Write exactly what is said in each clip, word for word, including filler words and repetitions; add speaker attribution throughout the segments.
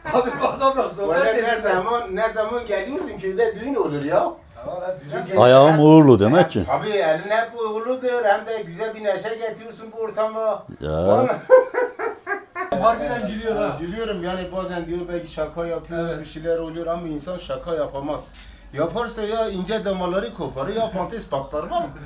Speaker 1: Abi bu adamla sohbet
Speaker 2: Valla ne
Speaker 1: ediyor.
Speaker 2: zaman ne zaman geliyorsun köyde düğün olur ya. Çünkü
Speaker 3: Ayağım
Speaker 2: hem-
Speaker 3: uğurlu demek ki.
Speaker 2: Tabii elin hep uğurludur hem de güzel bir neşe getiriyorsun bu ortama.
Speaker 3: Ya.
Speaker 2: Vallahi-
Speaker 1: Harbiden gülüyor ha.
Speaker 2: Gülüyorum yani bazen diyor belki şaka yapıyor
Speaker 1: Evet.
Speaker 2: bir şeyler oluyor ama insan şaka yapamaz. Yaparsa ya ince damarları koparır ya fantes patlar var mı?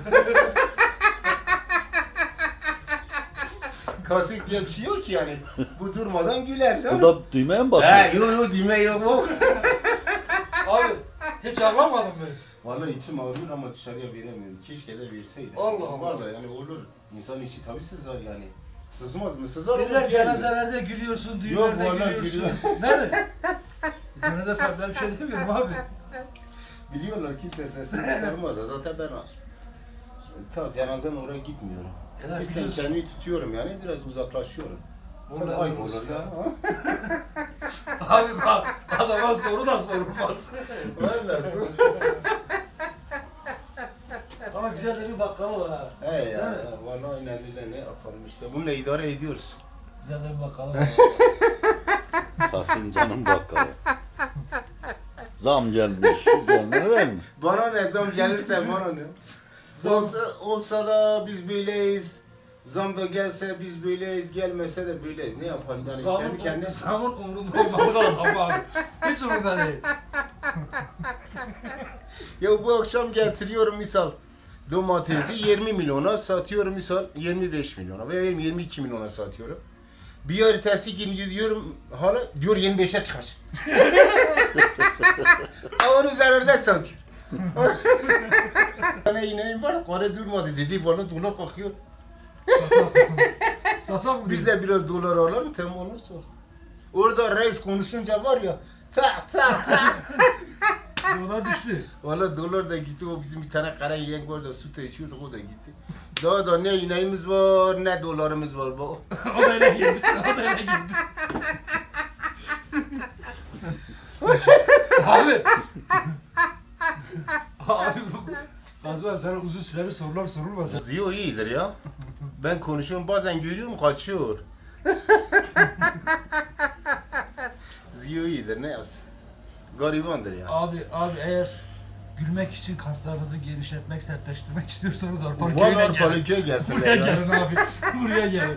Speaker 2: Kasık diye bir şey yok ki yani. Bu durmadan güler canım.
Speaker 3: Bu da düğmeye mi basıyor?
Speaker 2: He yo yo düğme yok yok.
Speaker 1: Abi hiç ağlamadın mı?
Speaker 2: Vallahi içim ağrıyor ama dışarıya veremiyorum. Keşke de verseydi.
Speaker 1: Allah Allah.
Speaker 2: Vallahi yani olur. İnsan içi tabii sızar yani. Sızmaz mı? Sızar olur.
Speaker 1: Birler
Speaker 2: yani.
Speaker 1: cenazelerde gülüyorsun,
Speaker 2: Yok,
Speaker 1: düğünlerde
Speaker 2: vallahi
Speaker 1: gülüyorsun. Nerede? Cenaze sahipleri bir şey demiyorum abi.
Speaker 2: Biliyorlar kimse sesini çıkarmaz. Zaten ben ta cenazen oraya gitmiyorum.
Speaker 1: Ya,
Speaker 2: Bir sen
Speaker 1: biliyorsun.
Speaker 2: kendimi tutuyorum yani biraz uzaklaşıyorum.
Speaker 1: Vallahi
Speaker 2: Ayıp
Speaker 1: doğrusu
Speaker 2: olur
Speaker 1: ya.
Speaker 2: da.
Speaker 1: Abi bak adama soru da sorulmaz.
Speaker 2: Vallahi.
Speaker 1: Ama güzel de bir bakkala var ha.
Speaker 2: He ya.
Speaker 1: Değil mi?
Speaker 2: Vallahi inanıyla ne yapalım işte. Bununla idare ediyoruz.
Speaker 1: Güzel de bir bakkala var.
Speaker 3: Kasım canım bakkala. Zam gelmiş. Gelmedi değil mi?
Speaker 2: Bana ne zam gelirse bana ne. Olsa, olsa da biz böyleyiz. Zam da gelse biz böyleyiz, gelmese de böyleyiz. Ne yapalım yani
Speaker 1: Zamın,
Speaker 2: kendi kendine.
Speaker 1: zamın umurunda olmalı adam abi. Hiç umurunda değil.
Speaker 2: Ya bu akşam getiriyorum misal domatesi yirmi milyona satıyorum misal yirmi beş milyona veya yirmi iki milyona satıyorum. Bir ertesi gün gidiyorum hala diyor yirmi beşe çıkar. Onun üzerinde satıyor. Bana ineğim var, kare durmadı dedi, valla dolar kalkıyor.
Speaker 1: Satak mı?
Speaker 2: Biz de biraz dolar alalım, tamam olursa. Orada reis konuşunca var ya, tak tak tak.
Speaker 1: Dolar düştü.
Speaker 2: Valla dolar da gitti, o bizim bir tane kara yengen var da süt içiyorduk, o da gitti. Daha da ne ineğimiz var, ne dolarımız var bu.
Speaker 1: O da öyle gitti. O da öyle gitti. Abi. Abi bu. Kazım abi sana uzun süreli sorular sorulmaz.
Speaker 2: Ziyo iyidir ya. Ben konuşuyorum, bazen görüyorum kaçıyor. Ziyo iyidir, ne yapsın? Garibandır ya.
Speaker 1: Abi abi eğer gülmek için kaslarınızı genişletmek, sertleştirmek istiyorsanız Arpan
Speaker 2: Vallahi
Speaker 1: köyüne gelin.
Speaker 2: Arpalıköy'e gelsinler
Speaker 1: Buraya
Speaker 2: ya.
Speaker 1: gelin abi. Buraya gelin.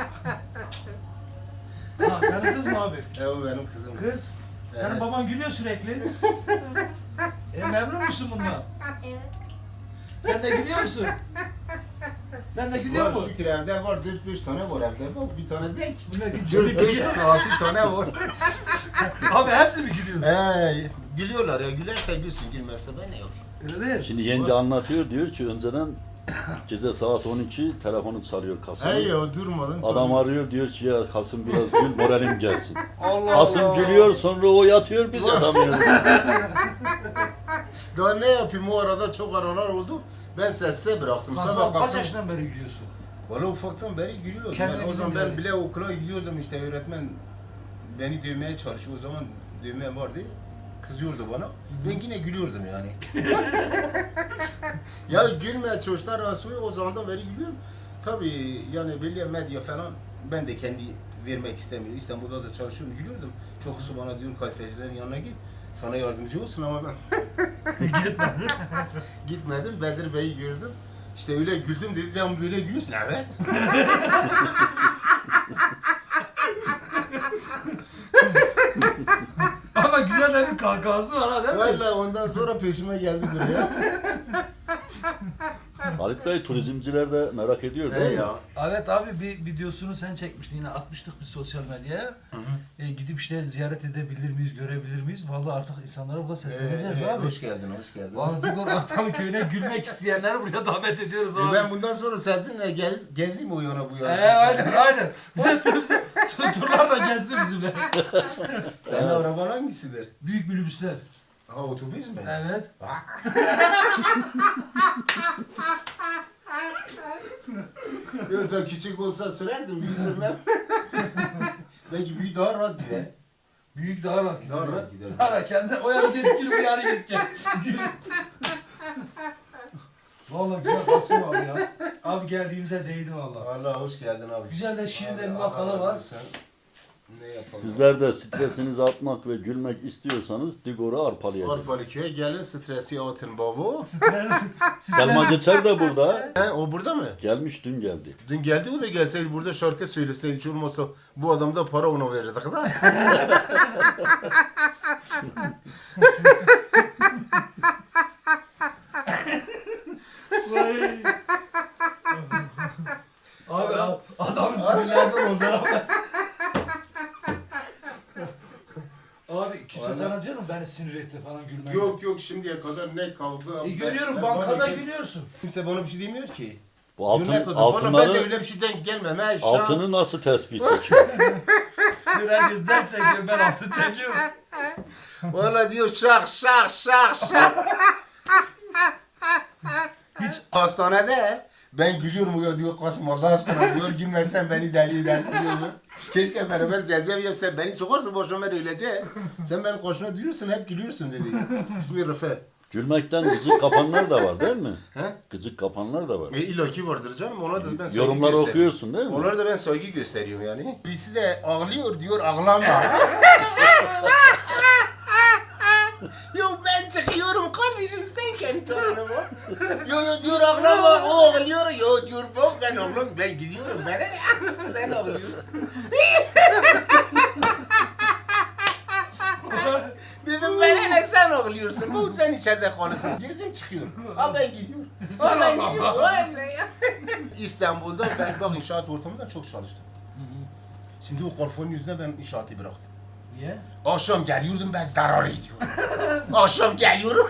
Speaker 1: Ha senin kız mı abi?
Speaker 2: E o benim kızım.
Speaker 1: Kız. Senin
Speaker 2: Evet.
Speaker 1: baban gülüyor sürekli. E memnun musun bundan?
Speaker 4: Evet.
Speaker 1: Sen de gülüyor musun? Ben de gülüyor
Speaker 2: Var
Speaker 1: mu?
Speaker 2: şükür evde var, dört beş tane var evde. Bak bir tane denk.
Speaker 1: Bunlar
Speaker 2: dört
Speaker 1: gülüyor.
Speaker 2: beş tane, altı tane var.
Speaker 1: Abi hepsi mi gülüyor?
Speaker 2: Ee, gülüyorlar ya, gülerse gülsün, gülmezse ben ne yapayım?
Speaker 1: Öyle değil.
Speaker 3: Şimdi yenge anlatıyor diyor ki önceden gece saat on iki telefonu çalıyor Kasım.
Speaker 2: Hey ya durmadan
Speaker 3: Adam arıyor diyor ki ya Kasım biraz gül moralim gelsin.
Speaker 1: Allah
Speaker 3: Kasım
Speaker 1: Allah.
Speaker 3: gülüyor sonra o yatıyor biz yatamıyoruz.
Speaker 2: Daha ne yapayım, o arada çok aralar oldu. Ben sessize bıraktım.
Speaker 1: Kazım
Speaker 2: Sabah
Speaker 1: abi kaç
Speaker 2: kalktım.
Speaker 1: yaşından beri gülüyorsun?
Speaker 2: Valla ufaktan beri gülüyordum.
Speaker 1: Kendine
Speaker 2: Yani o zaman
Speaker 1: gülüyor
Speaker 2: ben
Speaker 1: yani.
Speaker 2: bile okula gidiyordum işte, öğretmen beni dövmeye çalışıyor. O zaman dövme vardı. Kızıyordu bana. Ben yine gülüyordum yani. Ya gülmeye çocuklar arası o zamandan beri gülüyorum. Tabii yani belli medya falan ben de kendi vermek istemiyorum. İstanbul'da da çalışıyorum, gülüyordum. Çokusu bana diyor gazetecilerin yanına git. Sana yardımcı olsun ama ben
Speaker 1: Gitmedi.
Speaker 2: gitmedim. Bedir Bey'i gördüm. İşte öyle güldüm dedi, ya böyle gülüyorsun. Evet.
Speaker 1: Ama güzel de bir kahkahası var ha değil mi?
Speaker 2: Valla ondan sonra peşime geldi buraya.
Speaker 3: Halit Bey turizmciler de merak ediyor
Speaker 2: He
Speaker 3: değil mi?
Speaker 2: ya.
Speaker 1: Evet abi bir videosunu sen çekmiştin yine atmıştık biz sosyal medyaya. E, gidip işte ziyaret edebilir miyiz, görebilir miyiz? Vallahi artık insanlara burada sesleneceğiz
Speaker 2: Ee,
Speaker 1: abi.
Speaker 2: Hoş geldin, hoş geldin.
Speaker 1: Vallahi Digor Arpan köyüne gülmek isteyenleri buraya davet ediyoruz
Speaker 2: E
Speaker 1: abi.
Speaker 2: ben bundan sonra seninle gez, gezeyim o yana bu yana.
Speaker 1: Ee, aynen aynen. Bize bize turlar da gelsin bizimle.
Speaker 2: Senin araban hangisidir?
Speaker 1: Büyük minibüsler.
Speaker 2: Ha otobüs mü?
Speaker 1: Evet.
Speaker 2: Yoksa küçük olsa sürerdim, büyük sürmem. Belki büyük daha rahat gider.
Speaker 1: Büyük daha rahat gider.
Speaker 2: Daha rahat gider.
Speaker 1: Daha rahat kendi o yana git gül bu yana git gel. Gül. Vallahi güzel Kasım abi ya. Abi geldiğimize değdi vallahi.
Speaker 2: Allah hoş geldin abi.
Speaker 1: Güzel de şirin de bir
Speaker 2: Allah
Speaker 1: makala
Speaker 2: razı
Speaker 1: var.
Speaker 2: olsun. Ne yapalım?
Speaker 3: Sizler de stresinizi atmak ve gülmek istiyorsanız Digor'u arpalayacağız.
Speaker 2: Arpalı köye gelin stresi atın baba.
Speaker 1: Stres,
Speaker 3: Selma Geçer de burada.
Speaker 2: He, o burada mı?
Speaker 3: Gelmiş dün geldi.
Speaker 2: Dün geldi o da gelseydi burada şarkı söyleseydi hiç olmazsa bu adam da para ona verirdik da.
Speaker 1: Vay. Abi adam, adam sinirlerden bozaramaz. Abi kimse
Speaker 2: Vallahi-
Speaker 1: sana diyor mu beni sinir etti falan gülmen?
Speaker 2: Yok yok şimdiye kadar ne kavga.
Speaker 1: E, görüyorum
Speaker 2: ben-
Speaker 1: bankada
Speaker 2: bana kimse-
Speaker 1: gülüyorsun.
Speaker 2: Kimse bana bir şey demiyor ki.
Speaker 3: Bu altın,
Speaker 2: Düne kadar. Valla ben de
Speaker 3: altınları,
Speaker 2: öyle bir şeyden gelmem. He, şah-
Speaker 3: altını nasıl tespit çekiyor?
Speaker 1: Diyor herkes der çekiyor ben altın çekiyorum.
Speaker 2: Valla diyor şak şak şak şak.
Speaker 1: Hiç
Speaker 2: Hastanede ben gülüyorum ya diyor Kasım Allah aşkına diyor gülmezsen beni deli edersin diyor. Keşke beraber cezaevi yapsan beni sokarsın boşuna ben öleceğim. Sen benim koşuna duyuyorsun hep gülüyorsun dedi. İsmi Rıfet.
Speaker 3: Gülmekten gıcık kapanlar da var değil mi?
Speaker 2: He?
Speaker 3: Gıcık kapanlar da var.
Speaker 2: E illaki vardır canım ona da ben saygı
Speaker 3: Yorumları
Speaker 2: gösteriyorum.
Speaker 3: okuyorsun değil mi?
Speaker 2: Onlara da ben saygı gösteriyorum yani. Birisi de ağlıyor diyor ağlama. Yo ben çıkıyorum kardeşim sen kendi canına bak. Yo yo diyor ağlama o ağlıyor. Yo diyor bak ben ağlıyorum ben gidiyorum ben sen ağlıyorsun. Dedim ben ne sen ağlıyorsun bu sen içeride kalırsın. Girdim çıkıyorum. Ha ben gidiyorum. Ha ben gidiyorum. Vallahi. İstanbul'da ben bak inşaat ortamında çok çalıştım. Şimdi o korfonun yüzüne ben inşaatı bıraktım.
Speaker 1: niye?
Speaker 2: Akşam geliyordum ben zarar ediyorum. Akşam geliyorum.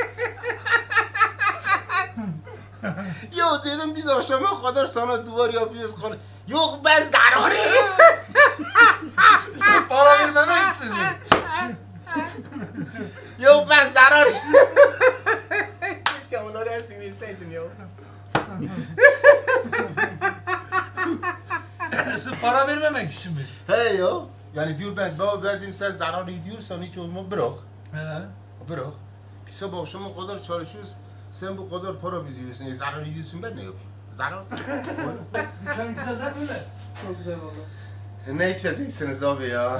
Speaker 2: Yo dedim biz akşama kadar sana duvar yapıyoruz. konu- Yok ben zarar ediyorum.
Speaker 1: Sen para vermemek için mi?
Speaker 2: Yok ben zarar Keşke onları hepsini verseydin ya.
Speaker 1: Sen para vermemek için mi?
Speaker 2: He ya. Yani diyor ben baba ben dedim sen zarar ediyorsan hiç olma bırak.
Speaker 1: He.
Speaker 2: Bırak. Biz sabah akşama kadar çalışıyoruz. Sen bu kadar para bizi yiyorsun. E, zarar ediyorsun ben ne yapayım? Zarar.
Speaker 1: Dükkan güzel değil mi? Çok güzel oldu.
Speaker 2: Ne içeceksiniz abi ya?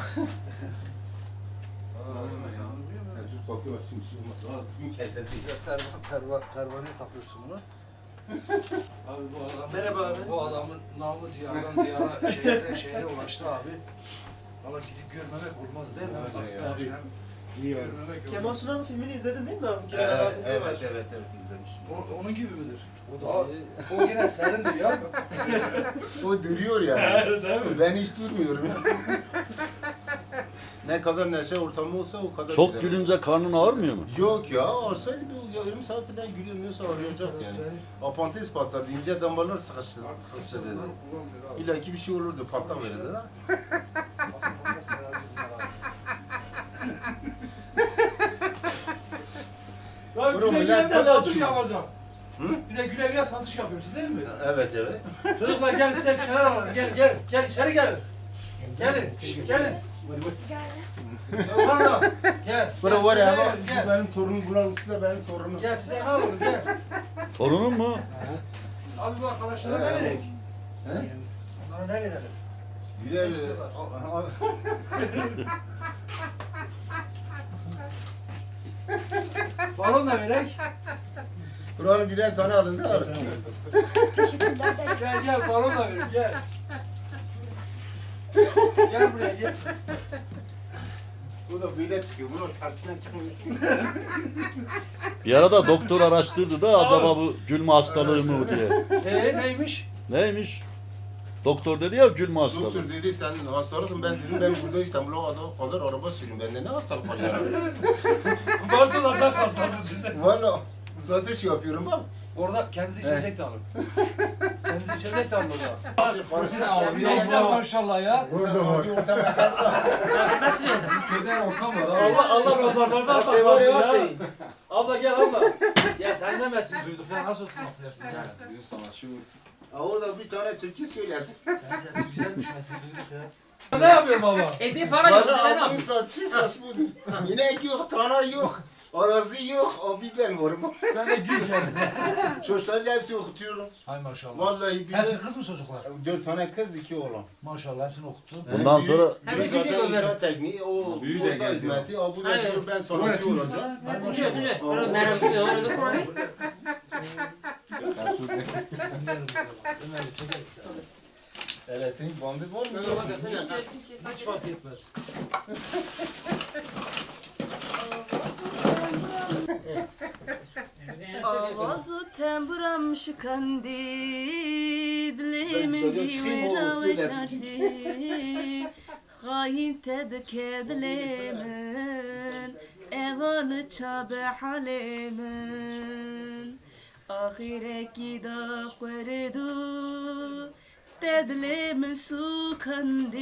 Speaker 2: Dur kalkıyor bak şimdi bir şey olmaz. Bugün kesildi.
Speaker 1: Pervan, pervan, pervaneye takıyorsun bunu. Abi bu adam,
Speaker 4: Merhaba abi.
Speaker 1: Bu adamın namı diyardan diyara şehre şehre ulaştı abi. Valla gidip görmemek olmaz değil mi?
Speaker 2: Evet,
Speaker 1: Taksi
Speaker 2: evet.
Speaker 1: abi.
Speaker 2: İyi oldu.
Speaker 1: Görmemek olmaz.
Speaker 4: Kemal Sunal'ın filmini izledin değil mi abi? Kemal
Speaker 2: Evet,
Speaker 4: abi
Speaker 2: evet,
Speaker 4: var.
Speaker 2: evet, evet, evet izlemişim.
Speaker 1: O, onun gibi midir? O da o yine serindir ya.
Speaker 2: O duruyor yani.
Speaker 1: Değil mi?
Speaker 2: Ben hiç durmuyorum. Ne kadar neşe ortamı olsa o kadar
Speaker 3: Çok
Speaker 2: güzel.
Speaker 3: gülünce karnın ağrımıyor mu?
Speaker 2: Yok ya, olsaydı bir yarım saatte ben gülüyorum yoksa arayacak yani. Apantiz patlardı, ince damarlar sıkıştı, sıkıştı dedi. İlla ki bir şey olurdu, patlak verirdi ha.
Speaker 1: Masa masa terazi bunlar abi. Ya
Speaker 2: Bro,
Speaker 1: güle
Speaker 2: millet
Speaker 1: güle de
Speaker 2: nasıl
Speaker 1: satış
Speaker 2: açıyor?
Speaker 1: yapacağım.
Speaker 2: Hı?
Speaker 1: Bir de güle güle satış yapıyorsun değil mi?
Speaker 2: Evet, evet.
Speaker 1: Çocuklar gelin size bir şeyler alalım. Gel gel gel içeri gelin. Gelin şşt, gelin. Pardon. Gel.
Speaker 2: Bura
Speaker 1: Gel,
Speaker 2: var ya,
Speaker 1: size
Speaker 2: bak,
Speaker 1: gelin,
Speaker 2: bu
Speaker 1: gel.
Speaker 2: benim torunum, bunların ikisi de benim torunum.
Speaker 1: Gel size ne alalım gel.
Speaker 3: Torunun mu?
Speaker 1: Abi bu arkadaşlara ne
Speaker 2: He.
Speaker 1: verek?
Speaker 2: He?
Speaker 1: Onlara ne verelim?
Speaker 2: Birer...
Speaker 1: İstiyorlar. Balon da verek.
Speaker 2: Buranın birer tane alın da alın.
Speaker 1: Gel gel balon da verek gel. Gel buraya gel.
Speaker 2: Bu da böyle çıkıyor, bunun tersine çıkmıyor.
Speaker 3: Bir arada doktor araştırdı da acaba bu gülme hastalığı mı diye.
Speaker 1: Ee neymiş?
Speaker 3: Neymiş? Doktor dedi ya gülme hastalığı.
Speaker 2: Doktor dedi sen hastalıkın, ben dedim ben burada İstanbul'a kadar araba sürüyorum, bende ne hastalık var ya?
Speaker 1: Varsa da sen hastasın bize.
Speaker 2: Valla satış yapıyorum bak.
Speaker 1: Orada kendisi içecek de alın. Kendisi içecek de alın orada.
Speaker 2: Parası
Speaker 1: Ne güzel maşallah ya.
Speaker 2: Burada var. Orta makasa.
Speaker 1: Köyden ortam var abi. Allah Allah nazarlardan
Speaker 2: Asey var ya
Speaker 1: saklasın ya.
Speaker 2: Asey.
Speaker 1: Abla gel abla. Ya sen demesin duyduk ya nasıl oturmak istersin yani.
Speaker 2: Ha, orada bir tane türkü söylesin.
Speaker 1: Senin sesin güzelmiş Metin duyduk ya. Ne yapıyor baba?
Speaker 5: Eti para yok.
Speaker 2: Valla
Speaker 5: Ne
Speaker 2: abinin
Speaker 5: yapayım?
Speaker 2: satışı saç budur. İnek yok, tana yok, arazi yok, abi ben varım.
Speaker 1: Sen de gül kendine.
Speaker 2: Çocukları hepsi okutuyorum.
Speaker 1: Hay maşallah.
Speaker 2: Vallahi bir
Speaker 1: Hepsi kız mı çocuklar?
Speaker 2: dört tane kız, iki oğlan.
Speaker 1: Maşallah hepsini okuttu.
Speaker 3: Bundan
Speaker 2: Büyük-
Speaker 3: sonra
Speaker 5: Hem
Speaker 2: büyük
Speaker 5: de çocuk
Speaker 2: zaten
Speaker 5: olur.
Speaker 2: inşaat tekniği, o
Speaker 6: Büyüğü de
Speaker 2: posta
Speaker 6: geldi
Speaker 2: hizmeti, o bu da
Speaker 5: Evet.
Speaker 2: diyor ben sanatçı olacağım.
Speaker 5: Tüce tüce. Onu merak ediyorum. Onu da koyayım.
Speaker 1: Ömer'i çekeriz ya.
Speaker 2: Elektrik bandı var mı?
Speaker 5: Ona bakın.
Speaker 1: Hiç fark etmez.
Speaker 7: Ağzı temburam şıkandı,
Speaker 2: Ben
Speaker 7: dilimin
Speaker 2: dışarıya çıkayım, o
Speaker 7: yuvara
Speaker 2: söylesin.
Speaker 7: şardı. Hain tedke dilimin, evanı çabe halimin. Ahireki da khuridu, tedlimin sukandı.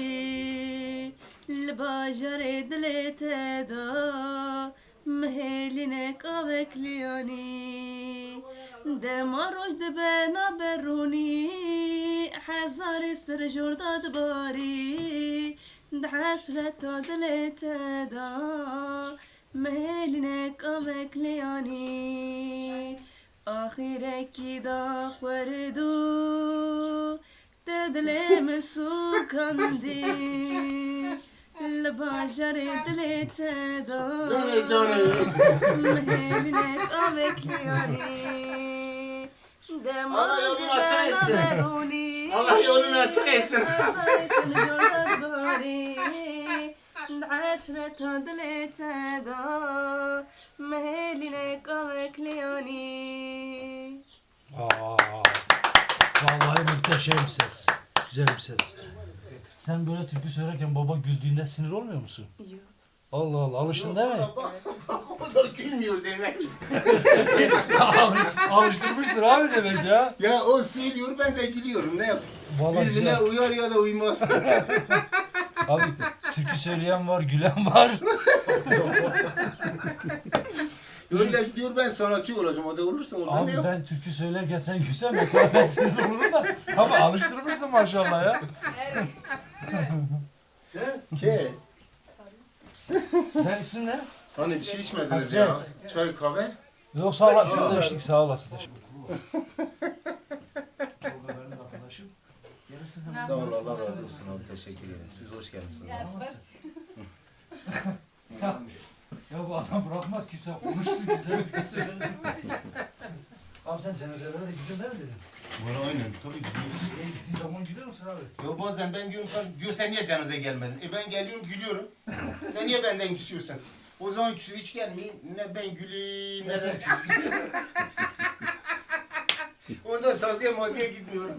Speaker 7: L'bajar dili teda, مهلينك أبكلياني دما رشد بنا بروني حزاري سر جرداد باري دحسرة دلت دا مهلينك أبكلياني آخرك دا خوردو تدلم سوكندي البشر دلت دا
Speaker 2: Canı canı.
Speaker 7: مهلنك أبكلياني
Speaker 2: Allah yolunu açık etsin. Allah yolunu açık etsin.
Speaker 7: عسرة دلت دا مهلنك أبكلياني
Speaker 1: Aa, vallahi muhteşem ses. Güzel bir ses. Sen böyle türkü söylerken baba güldüğünde sinir olmuyor musun?
Speaker 7: Yok.
Speaker 1: Allah Allah, alıştın değil mi?
Speaker 2: O da gülmüyor demek.
Speaker 1: Alıştırmıştır abi demek ya.
Speaker 2: Ya o söylüyor ben de gülüyorum. Ne yapayım?
Speaker 1: Vallahi
Speaker 2: Birbirine
Speaker 1: güzel.
Speaker 2: uyar ya da uymaz.
Speaker 1: Abi türkü söyleyen var, gülen var.
Speaker 2: Öyle gidiyor ben sanatçı olacağım. O da olursa ondan ne
Speaker 1: Abi
Speaker 2: yap?
Speaker 1: ben türkü söylerken sen gülsen mesela ben sinir olurum da. Ama alıştırmışsın maşallah ya.
Speaker 2: Ke.
Speaker 1: Sen isim ne?
Speaker 2: Hani bir şey içmediniz
Speaker 1: Hasret.
Speaker 2: ya. Çay kahve.
Speaker 1: Yok sağ olasın. Şurada içtik sağ olasın. Teşekkür arkadaşım. Gelirsin hemen.
Speaker 2: Sağ ol Allah razı olsun abi teşekkür ederim. Siz hoş geldiniz.
Speaker 1: Ya, ya bu adam bırakmaz kimse konuşsun güzel bir şey söylesin. Abi sen cenazelere de gidiyorsun değil mi dedim?
Speaker 2: Bana aynen tabii gidiyoruz.
Speaker 1: E, gittiğin zaman gidiyor musun abi?
Speaker 2: Ya bazen ben diyorum sen, diyor sen niye cenaze gelmedin? E ben geliyorum gülüyorum. Sen niye benden küsüyorsun? O zaman küsü hiç gelmeyeyim. Ne ben güleyim ne sen küseyim. Ondan taziye maziye gitmiyorum.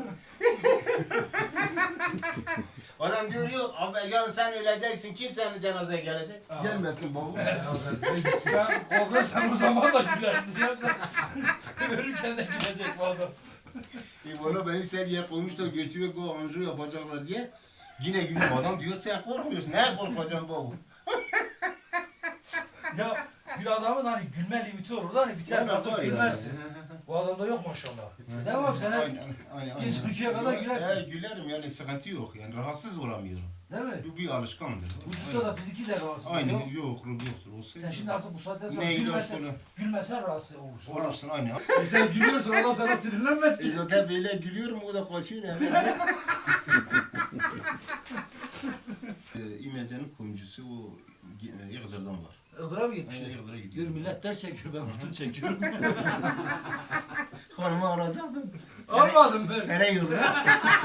Speaker 2: Adam diyor yok abi yarın sen öleceksin kim senin cenazeye gelecek?
Speaker 1: Aa.
Speaker 2: Gelmesin baba.
Speaker 1: Ben korkuyorum sen o zaman da gülersin ya sen. Ölürken de gülecek bu adam.
Speaker 2: E valla beni seriye koymuş da götürüyor bu anju yapacaklar diye. Yine gülüyorum adam diyor sen korkmuyorsun. Ne korkacaksın baba?
Speaker 1: Ya bir adamın hani gülme limiti olur da hani bir tane artık gülmezsin. Bu adamda yok maşallah. Değil mi abi sen hep
Speaker 2: Aynen, aynen,
Speaker 1: Geç
Speaker 2: aynen.
Speaker 1: Türkiye'ye kadar gülersin.
Speaker 2: He, gülerim yani sıkıntı yok yani rahatsız olamıyorum.
Speaker 1: değil mi?
Speaker 2: Bu bir alışkandır.
Speaker 1: Vücutta da fiziki de rahatsız
Speaker 2: Aynen
Speaker 1: yok.
Speaker 2: yok ruh yoktur. Olsun.
Speaker 1: Sen şimdi artık bu saatten sonra
Speaker 2: ne ilaç
Speaker 1: gülmesen,
Speaker 2: bunu
Speaker 1: gülmesen rahatsız olursun.
Speaker 2: olursun aynen.
Speaker 1: E sen gülüyorsun adam sana sinirlenmez
Speaker 2: E
Speaker 1: ki.
Speaker 2: zaten böyle gülüyorum o da kaçıyor yani. e, İmece'nin kuyumcusu o e, Yıldır'dan var.
Speaker 1: Ildıra mı gitmişler?
Speaker 2: Aynen Yıldır'a
Speaker 1: Diyor
Speaker 2: gidiyor.
Speaker 1: millet der çekiyor ben altın çekiyorum.
Speaker 2: Hanımı arayacaktım.
Speaker 1: Almadım ben.
Speaker 2: Nereye yolda?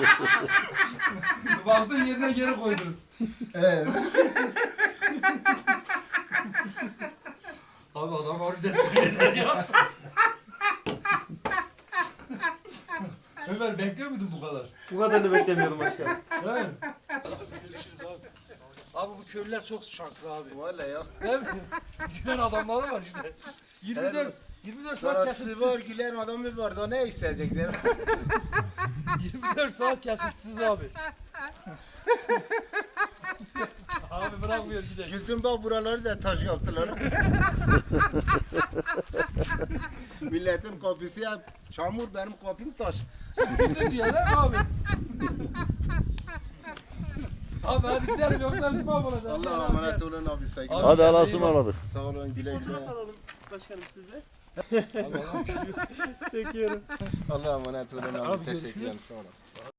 Speaker 1: Baktın yerine geri koydun.
Speaker 2: Evet.
Speaker 1: Abi adam harbiden sinirler ya. Ömer bekliyor muydun bu kadar?
Speaker 4: Bu kadarını beklemiyordum başkanım.
Speaker 1: Değil mi? Abi bu köylüler çok şanslı abi.
Speaker 2: Valla ya.
Speaker 1: Değil mi? Gülen adamları var işte. yirmi dört, yirmi dört saat
Speaker 2: Sanatçısı var,
Speaker 1: kesintisiz.
Speaker 2: gülen adamı var da ne isteyecekler?
Speaker 1: yirmi dört saat kesintisiz abi. Abi bırakmıyor gidelim.
Speaker 2: Güldüm bak buraları da taş yaptılar. Milletin kapısı ya çamur benim kapım taş.
Speaker 1: Ne diyor değil mi abi? Abi hadi gidelim yoksa biz mahvolacağız.
Speaker 2: Allah'a emanet olun abi saygılar.
Speaker 3: Hadi Allah'a ısmarladık.
Speaker 2: Sağ olun güle güle.
Speaker 4: Fotoğraf alalım başkanım sizle. Çekiyorum.
Speaker 2: Allah'a emanet olun abi.
Speaker 1: Abi,
Speaker 2: Teşekkür ederim.
Speaker 1: görüşürüz.
Speaker 2: Sağ olasın.